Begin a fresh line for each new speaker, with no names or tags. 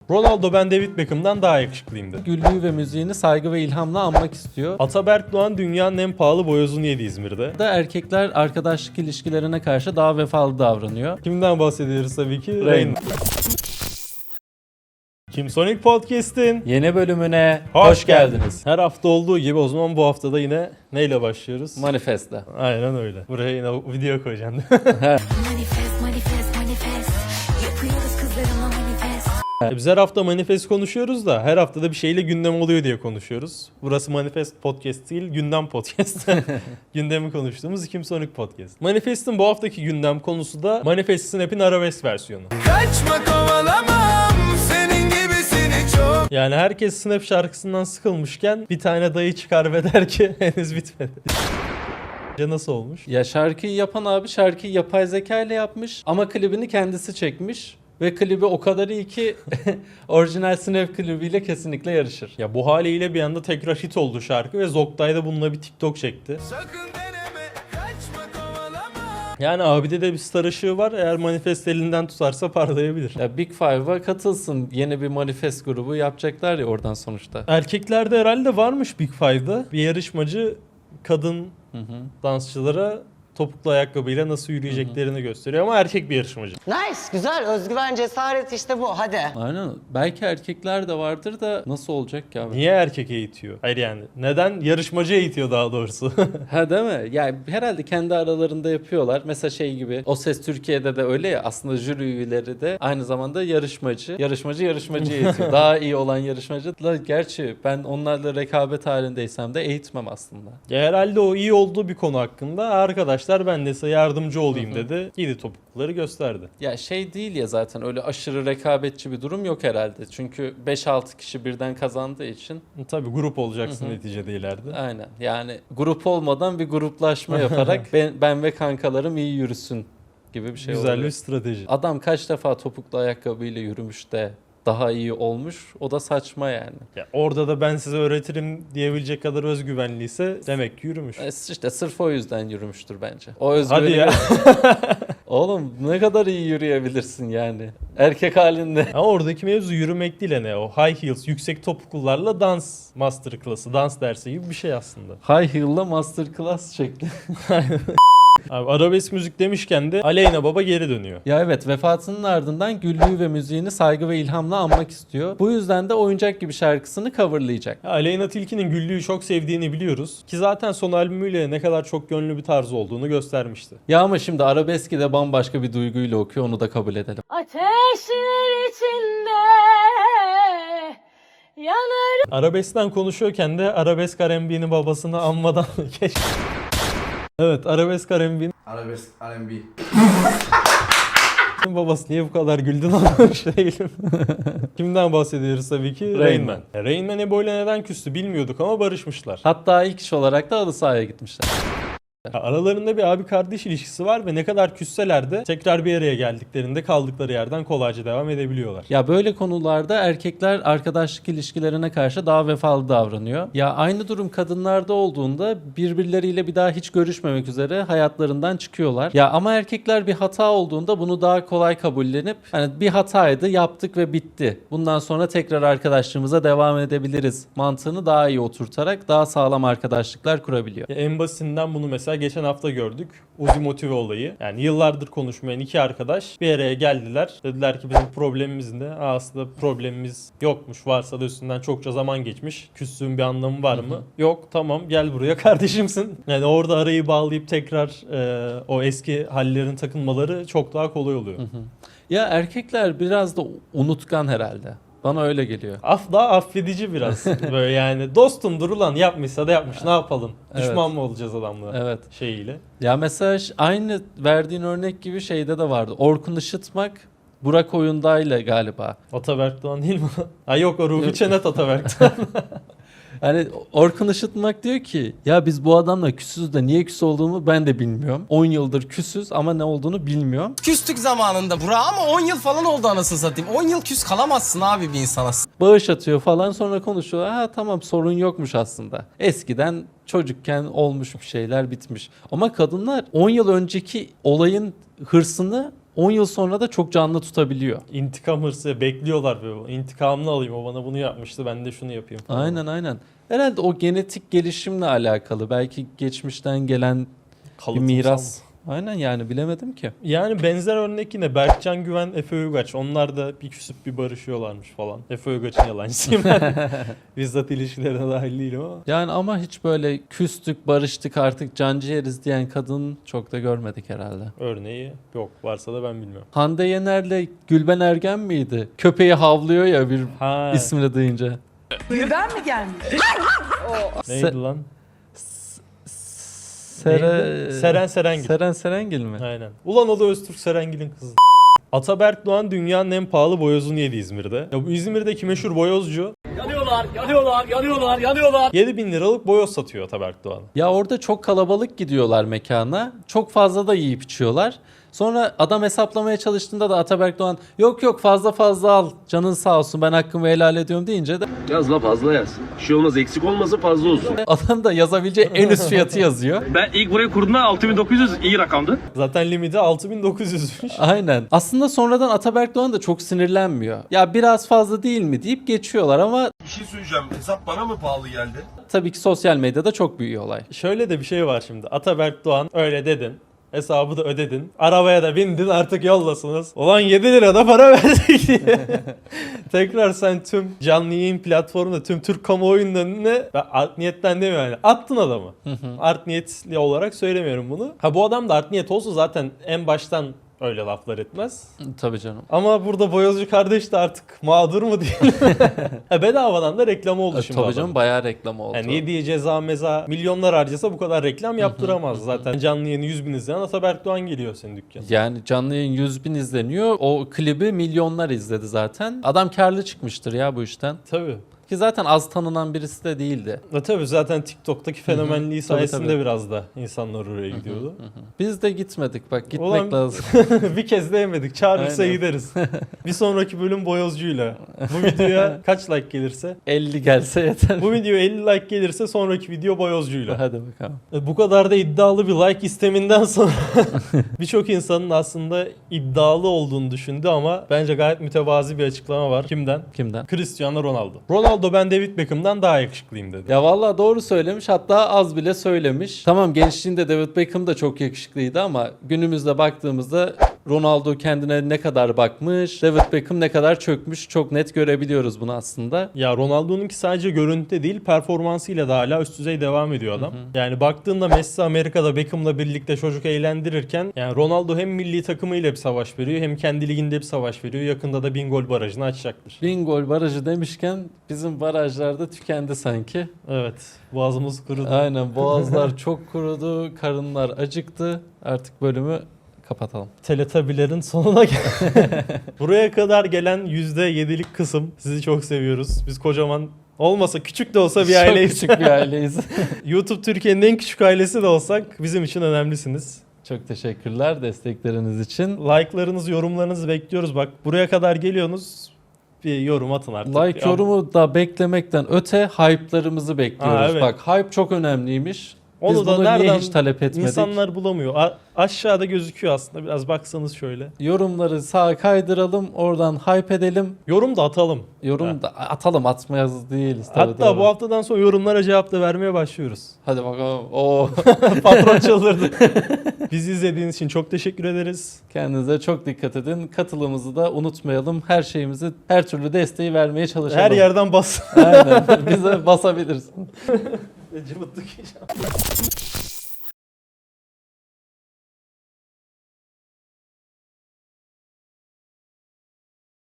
Ronaldo ben David Beckham'dan daha yakışıklıyım dedi.
Güllüğü ve müziğini saygı ve ilhamla anmak istiyor.
Ataberk Doğan dünyanın en pahalı boyozunu yedi İzmir'de.
Da erkekler arkadaşlık ilişkilerine karşı daha vefalı davranıyor.
Kimden bahsediyoruz tabii ki?
Rain.
Rain. Kimsonic Podcast'in
Yeni bölümüne
hoş geldiniz. Her hafta olduğu gibi o zaman bu hafta da yine neyle başlıyoruz?
Manifest'le.
Aynen öyle. Buraya yine video koyacağım.
Manifest, manifest, manifest. Yapıyoruz kızlarımla manifest.
Biz her hafta manifest konuşuyoruz da her haftada bir şeyle gündem oluyor diye konuşuyoruz. Burası Manifest Podcast değil, gündem podcast. Gündemi konuştuğumuz Kimsonic Podcast. Manifest'in bu haftaki gündem konusu da Manifest Snap'in arabesk versiyonu.
Kaçma kovalamam senin gibisini çok.
Yani herkes Snap şarkısından sıkılmışken bir tane dayı çıkar ve der ki henüz bitmedi. Nasıl olmuş?
Ya şarkıyı yapan abi şarkıyı yapay zeka ile yapmış ama klibini kendisi çekmiş. Ve klibi o kadar iyi ki orijinal Snap klibiyle kesinlikle yarışır.
Ya bu haliyle bir anda tekrar hit oldu şarkı ve Zoktay da bununla bir TikTok çekti.
Sakın deneme kaçma kovalama.
Yani abide de bir star ışığı var. Eğer Manifest elinden tutarsa parlayabilir.
Ya Big Five'a katılsın. Yeni bir manifest grubu yapacaklar ya oradan sonuçta.
Erkeklerde herhalde varmış Big Five'da. Bir yarışmacı kadın dansçılara topuklu ayakkabıyla nasıl yürüyeceklerini gösteriyor ama erkek bir yarışmacı.
Nice, güzel. Özgüven, cesaret işte bu. Hadi.
Aynen. Belki erkekler de vardır da nasıl olacak ki abi?
Niye erkek eğitiyor? Hayır yani neden yarışmacı eğitiyor daha doğrusu?
Ha değil mi? Yani herhalde kendi aralarında yapıyorlar. Mesela şey gibi O Ses Türkiye'de de öyle ya aslında jüri üyeleri de aynı zamanda yarışmacı. Yarışmacı eğitiyor. Daha iyi olan yarışmacı. Gerçi ben onlarla rekabet halindeysem de eğitmem aslında.
Ya herhalde o iyi olduğu bir konu hakkında arkadaşlar ben de size yardımcı olayım dedi. Giydi topukluları gösterdi.
Ya şey değil ya zaten öyle aşırı rekabetçi bir durum yok herhalde. Çünkü 5-6 kişi birden kazandığı için.
Tabii grup olacaksın neticede ileride.
Aynen yani grup olmadan bir gruplaşma yaparak ben ve kankalarım iyi yürüsün gibi bir şey
Güzel
oluyor.
bir strateji.
Adam kaç defa topuklu ayakkabıyla yürümüş de daha iyi olmuş. O da saçma yani.
Ya orada da ben size öğretirim diyebilecek kadar özgüvenliyse demek ki yürümüş.
İşte sırf o yüzden yürümüştür bence. O özgüveni.
Hadi ya.
Oğlum ne kadar iyi yürüyebilirsin yani. Erkek halinde.
Ama oradaki mevzu yürümek değil ne o high heels yüksek topuklularla dans masterclass'ı dans dersi gibi bir şey aslında.
High heel'la masterclass şekli.
Abi arabesk müzik demişken de Aleyna Baba geri dönüyor.
Ya evet vefatının ardından Güllüğü ve müziğini saygı ve ilhamla anmak istiyor. Bu yüzden de Oyuncak Gibi şarkısını coverlayacak.
Ya Aleyna Tilki'nin Güllü'yü çok sevdiğini biliyoruz. Ki zaten son albümüyle ne kadar çok gönlü bir tarzı olduğunu göstermişti.
Ya ama şimdi arabeski de bambaşka bir duyguyla okuyor onu da kabul edelim.
Ateşler içinde yanar.
Arabeskten konuşuyorken de arabesk R&B'nin babasını anmadan geç. Evet arabesk R&B'nin
Arabesk R&B.
babası niye bu kadar güldün anlamış değilim. Kimden bahsediyoruz tabii ki? Rain Man. Rain Man Ebo'yla neden küstü bilmiyorduk ama barışmışlar.
Hatta ilk iş olarak da halı sahaya gitmişler.
Aralarında bir abi kardeş ilişkisi var ve ne kadar küsseler de tekrar bir araya geldiklerinde kaldıkları yerden kolayca devam edebiliyorlar.
Ya böyle konularda erkekler arkadaşlık ilişkilerine karşı daha vefalı davranıyor. Ya aynı durum kadınlarda olduğunda birbirleriyle bir daha hiç görüşmemek üzere hayatlarından çıkıyorlar. Ya ama erkekler bir hata olduğunda bunu daha kolay kabullenip hani bir hataydı yaptık ve bitti. Bundan sonra tekrar arkadaşlığımıza devam edebiliriz mantığını daha iyi oturtarak daha sağlam arkadaşlıklar kurabiliyor.
Ya en basitinden bunu mesela geçen hafta gördük. Uzi Motive olayı. Yani yıllardır konuşmayan iki arkadaş bir araya geldiler. Dediler ki bizim problemimiz ne? Aslında problemimiz yokmuş. Varsa da üstünden çokça zaman geçmiş. Küslüğün bir anlamı var mı? Yok. Tamam gel buraya kardeşimsin. Yani orada arayı bağlayıp tekrar o eski hallerin takılmaları çok daha kolay oluyor.
Ya erkekler biraz da unutkan herhalde. Bana öyle geliyor.
Daha affedici biraz. Böyle yani dostumdur ulan yapmışsa da yapmış ne yapalım?
Evet.
Düşman mı olacağız adamla
Evet.
şeyiyle.
Ya mesela aynı verdiğin örnek gibi şeyde de vardı. Orkun Işıtmak Burak Oyunday'la galiba.
Ataberk Doğan değil mi? Ha yok o Ruhi Çenet Ataberk'ten.
Hani Orkun Işıtmak diyor ki ya biz bu adamla küsüz de niye küs olduğumu ben de bilmiyorum. 10 yıldır küsüz ama ne olduğunu bilmiyorum.
Küstük zamanında Burak ama 10 yıl falan oldu anasını satayım. 10 yıl küs kalamazsın abi bir insana.
Bağış atıyor falan sonra konuşuyor. Ha tamam sorun yokmuş aslında. Eskiden çocukken olmuş bir şeyler bitmiş. Ama kadınlar 10 yıl önceki olayın hırsını 10 yıl sonra da çok canlı tutabiliyor.
İntikam hırsı bekliyorlar böyle. İntikamını alayım, o bana bunu yapmıştı, ben de şunu yapayım falan.
Aynen. Herhalde o genetik gelişimle alakalı. Belki geçmişten gelen bir
Kalıtımsal
miras.
mı?
Aynen yani bilemedim ki.
Yani benzer örnek yine Berkcan Güven, Efe Uygaç. Onlar da bir küsüp bir barışıyorlarmış falan. Efe Uygaç'ın yalancısıyım ben. Bizzat ilişkilerine dahil değilim ama.
Yani ama hiç böyle küstük, barıştık artık canciğeriz diyen kadın çok da görmedik herhalde.
Örneği yok. Varsa da ben bilmiyorum.
Hande Yener'le Gülben Ergen miydi? Köpeği havlıyor ya bir
Ha,
ismini duyunca.
Gülben mi gelmiş?
neydi lan?
Seren
Serengil.
Seren Serengil mi?
Aynen. Ulan o da Öztürk Serengil'in kızı. Ataberk Doğan dünyanın en pahalı boyozunu yedi İzmir'de. Ya bu İzmir'deki meşhur boyozcu yanıyorlar. 7.000 liralık boyoz satıyor Ataberk Doğan.
Ya orada çok kalabalık gidiyorlar mekana. Çok fazla da yiyip içiyorlar. Sonra adam hesaplamaya çalıştığında da Ataberk Doğan yok fazla al canın sağ olsun ben hakkımı helal ediyorum deyince de
Yaz la fazla yaz. Bir şey olmaz, eksik olmasın, fazla olsun.
adam da yazabileceği en üst fiyatı yazıyor.
Ben ilk burayı kurduğumda 6900 iyi rakamdı.
Zaten limiti 6.900'müş.
Aynen. Aslında sonradan Ataberk Doğan da çok sinirlenmiyor. Ya biraz fazla değil mi deyip geçiyorlar ama
Bir şey söyleyeceğim. Hesap bana mı pahalı geldi?
tabii ki sosyal medyada çok büyüyor olay.
Şöyle de bir şey var şimdi. Ataberk Doğan öyle dedin. Hesabı da ödedin. Arabaya da bindin, artık yollasınız. Ulan 7 lira da para verdik diye. Tekrar sen tüm canlı yayın platformunda tüm Türk kamuoyunun önüne, ben art niyetten demiyorum yani, attın adamı. Art niyetli olarak söylemiyorum bunu. Ha bu adam da art niyet olsa zaten en baştan öyle laflar etmez.
Tabii canım.
Ama burada boyozcu kardeş de artık mağdur mu diyelim. Ha, bedavadan da reklam oldu şimdi
Tabii
adamın.
canım bayağı reklam oldu.
Yani yediği ceza meza milyonlar harcasa bu kadar reklam yaptıramaz. Zaten canlı yayını 100.000 izleyen Ataberk Doğan geliyor senin dükkana.
Yani canlı yayın 100.000 izleniyor. O klibi milyonlar izledi zaten. Adam karlı çıkmıştır ya bu işten.
Tabii.
Ki zaten az tanınan birisi de değildi.
Tabii zaten TikTok'taki fenomenliği
Tabii,
sayesinde
tabii.
biraz da insanlar oraya gidiyordu.
Biz de gitmedik bak gitmek
Ulan-
lazım.
Bir kez de yemedik. Çağırırsa
Aynen.
gideriz. Bir sonraki bölüm boyozcuyla. Bu videoya kaç like gelirse?
50 gelse yeter.
Bu video 50 like gelirse sonraki video boyozcuyla.
Hadi bakalım.
Bu kadar da iddialı bir like isteminden sonra birçok insanın aslında iddialı olduğunu düşündü ama bence gayet mütevazi bir açıklama var. Kimden?
Kimden?
Cristiano Ronaldo. Ronaldo ben David Beckham'dan daha yakışıklıyım dedi.
Ya vallahi doğru söylemiş hatta az bile söylemiş. Tamam gençliğinde David Beckham da çok yakışıklıydı ama günümüzde baktığımızda Ronaldo kendine ne kadar bakmış, David Beckham ne kadar çökmüş çok net görebiliyoruz bunu aslında.
Ya Ronaldo'nunki sadece görüntüde değil performansıyla da hala üst düzey devam ediyor adam. Yani baktığında Messi Amerika'da Beckham'la birlikte çocuk eğlendirirken yani Ronaldo hem milli takımıyla bir savaş veriyor hem kendi liginde bir savaş veriyor. Yakında da 1000 gol barajını açacaktır.
1000 gol barajı demişken bizim barajlarda tükendi sanki.
Evet. Boğazımız kurudu.
Aynen boğazlar çok kurudu, karınlar acıktı. Artık bölümü kapatalım.
Teletabilerin sonuna gel. Buraya kadar gelen %7'lik kısım sizi çok seviyoruz. Biz kocaman olmasa küçük de olsa bir aileyiz.
Çok küçük bir aileyiz.
YouTube Türkiye'nin en küçük ailesi de olsak bizim için önemlisiniz.
Çok teşekkürler destekleriniz için.
Like'larınızı, yorumlarınızı bekliyoruz. Bak buraya kadar geliyorsunuz. Bir yorum atın artık.
Like yorumu da beklemekten öte hype'larımızı bekliyoruz.
Aa, evet.
Bak hype çok önemliymiş. Biz
Onu da
bunu niye
nereden
hiç talep etmedik?
İnsanlar bulamıyor. Aşağıda gözüküyor aslında. Biraz baksanız şöyle.
Yorumları sağa kaydıralım, oradan hype edelim.
Yorum da atalım.
Yorum da atalım, atmayız değiliz. Tabii,
Hatta
doğru.
bu haftadan sonra yorumlara cevap da vermeye başlıyoruz.
Hadi bakalım. Oo.
Patron çıldırdı. Bizi izlediğiniz için çok teşekkür ederiz.
Kendinize çok dikkat edin. Katılımımızı da unutmayalım. Her şeyimizi, her türlü desteği vermeye çalışalım.
Her yerden bas.
Aynen. Bize basabilirsin.
Cıvıttık.